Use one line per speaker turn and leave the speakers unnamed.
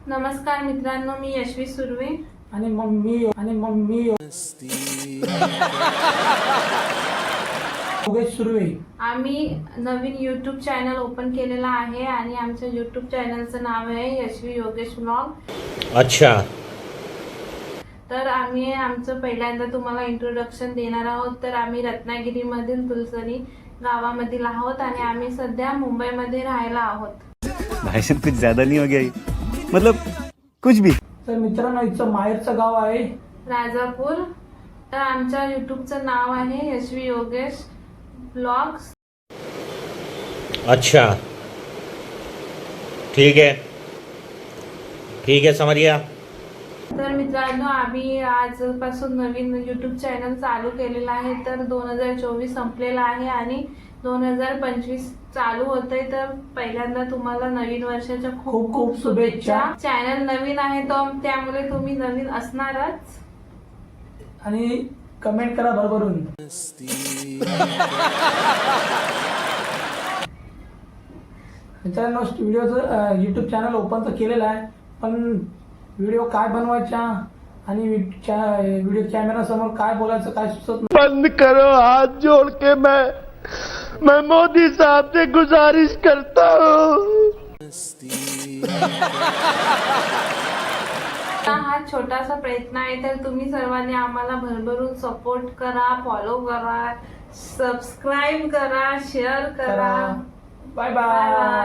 नमस्कार मित्रांनो, मी यशवी सुर्वे
आणि मम्मी योगेश सुर्वे।
आम्ही नवीन यूट्यूब चॅनल ओपन केलेला आहे आणि आमच्या यूट्यूब चॅनलचं नाव आहे यशवी योगेश व्लॉग।
अच्छा।
तर आम्ही आमचं पहिल्यांदा तुम्हाला इंट्रोडक्शन देणार आहोत। तर आम्ही रत्नागिरीमधील तुलसरी गावामधील आहोत आणि आम्ही सध्या मुंबईमध्ये राहायला आहोत।
भाषण कुछ ज्यादा नहीं हो गया, मतलब कुछ भी।
तर मित्रांनो, इथं माहेरचं गाव आहे
राजापूर। तर आमच्या यूट्यूबचं नाव आहे यशवी योगेश ब्लॉग्स।
अच्छा, ठीक है, समझ गया।
तर मित्रांनो, आम्ही आजपासून नवीन यूट्यूब चॅनल चालू केलेला आहे। तर 2024 संपलेला आहे आणि 2025 चालू होतंय। तर पहिल्यांदा तुम्हाला नवीन वर्षाच्या खूप खूप शुभेच्छा। चॅनल नवीन आहे तो त्यामुळे तुम्ही नवीन असणारच
आणि कमेंट करा भरभरून। मित्रांनो, व्हिडिओचं यूट्यूब चॅनल ओपन तर केलेलं आहे, पण व्हिडिओ काय बनवायचा आणि व्हिडिओ कॅमेरा समोर काय बोलायचं काय सुचत नाही।
बंद करो, हाथ जोड़ के मैं मोदी साहब से गुजारिश करता हूँ।
हा छोटासा प्रयत्न आहे। तर तुम्ही सर्वांनी आम्हाला भरभरून सपोर्ट करा, फॉलो करा, सबस्क्राईब करा, शेअर करा।
Bye bye.